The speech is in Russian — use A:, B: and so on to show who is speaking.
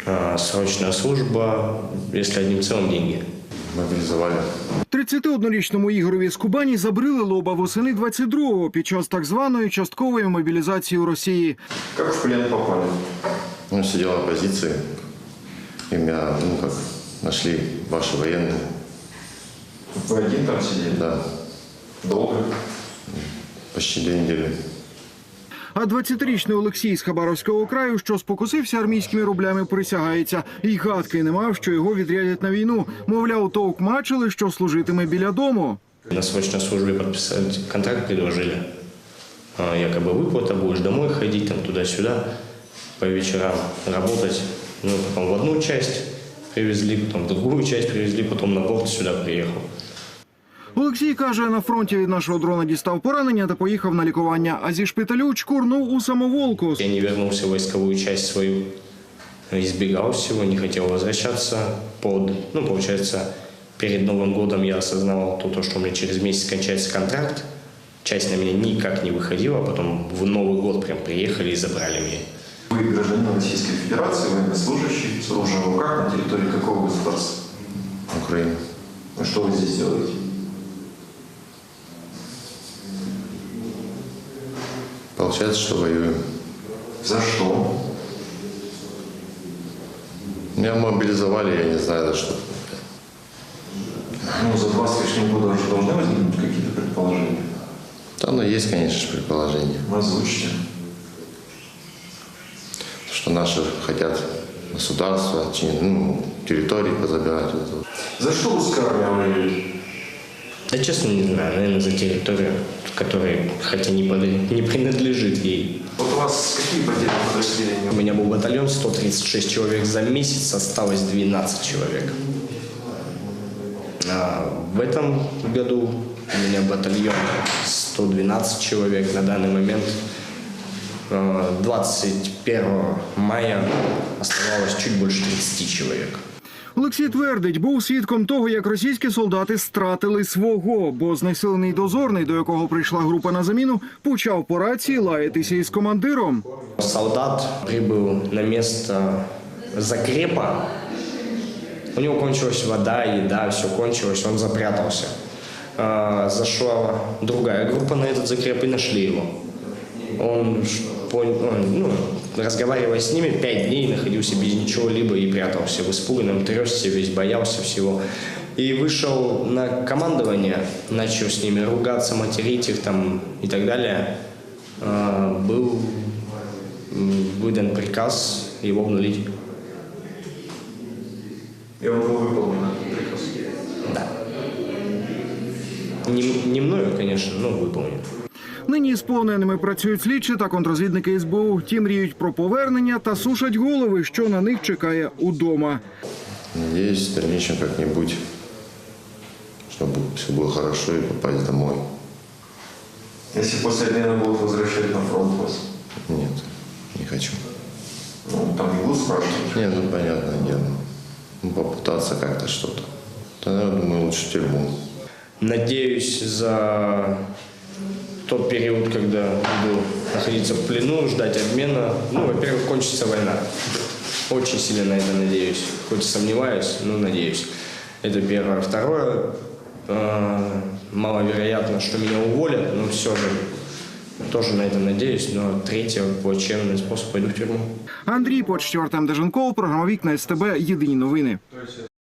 A: срочная служба, если одним целым деньги.
B: Мобілізували.
C: 31-річному Ігорові з Кубані забрили лоба восени 22-го під час так званої часткової мобілізації у Росії.
B: Як в плен попали? Ну, сидел на позиции, и меня, нашли ваши военные.
D: Вы один там сидели?
B: Да,
D: Долго?
B: почти 2 недели.
C: А 20-річний Олексій з Хабаровського краю, що спокусився армійськими рублями, присягається. І гадки не мав, що його відрядять на війну. Мовляв, товкмачили, що служитиме біля дому.
A: На срочной службе подписать контракт предложили. Якобы выплата, будешь домой ходить, там туда-сюда, по вечерам работать. Ну, потом в одну часть привезли, потом в другую часть привезли, потом на борт сюда приехал.
C: Олексій каже, на фронті від нашого дрона дістав поранення та поїхав на лікування. А зі шпиталю чкурнув у самоволку.
A: Я не вернулся в войсковую часть свою, избегал всего, не хотел возвращаться. Получается, перед Новым годом я осознавал то, что у меня через месяц кончается контракт. Часть на меня никак не выходила, а потом в Новый год прям приехали и забрали меня.
D: Вы гражданин Российской Федерации, военнослужащий, с оружием в руках на территории какого государства?
B: Украина.
D: А что вы здесь делаете?
B: Получается, что воюем.
D: За что?
B: Меня мобилизовали, я не знаю за что.
D: Ну, за 2 с лишним года уже должны возникнуть какие-то предположения.
B: Там, есть, конечно же, предположение.
D: Озвучьте.
B: Что наши хотят государство, территории позабирать.
D: За что русская армия воюет?
A: Да честно не знаю, наверное, за территорию, которая, хотя не принадлежит ей.
D: Вот у вас какие потери подразделения?
A: У меня был батальон 136 человек за месяц, осталось 12 человек. А в этом году у меня батальон 112 человек. На данный момент 21 мая оставалось чуть больше 30 человек.
C: Олексій твердить, був свідком того, як російські солдати стратили свого, бо знесилений дозорний, до якого прийшла група на заміну, почав по рації лаятися із командиром.
A: Солдат прибыл на место закрепа. У него кончилась вода, еда, все кончилось, он запрятался. Зашла другая группа на этот закреп и нашли его. Он, разговаривая с ними, 5 дней находился без ничего-либо и прятался в испуганном, трясся, весь боялся всего. И вышел на командование, начал с ними ругаться, материть их там и так далее. Был выдан приказ его обнулить.
D: И он был выполнен, этот приказ?
A: Да. Не мною, конечно, но выполнен.
C: Нині з полоненими працюють слідчі та контррозвідники СБУ. Ті мріють про повернення та сушать голови, що на них чекає удома.
B: Надеюсь, в дальнейшем как-нибудь, чтобы все было хорошо и попасть домой.
D: Если после обмена будут возвращать на фронт вас?
B: Нет, не хочу.
D: Ну, там не будут спрашивать?
B: Нет, понятное дело. Попытаться как-то что-то. Тогда, я думаю, лучше в тюрьму.
A: Надеюсь, за тот период, когда буду находиться в плену, ждать обмена, во-первых, кончится война. Очень сильно на это надеюсь. Хоть сомневаюсь, но надеюсь. Это первое. Второе, маловероятно, что меня уволят, но все же тоже на это надеюсь. Но третье, плачевный способ, пойду в тюрьму.
C: Андрій Почтєв, Артем Деженков, програма «Вікна СТБ», єдині новини.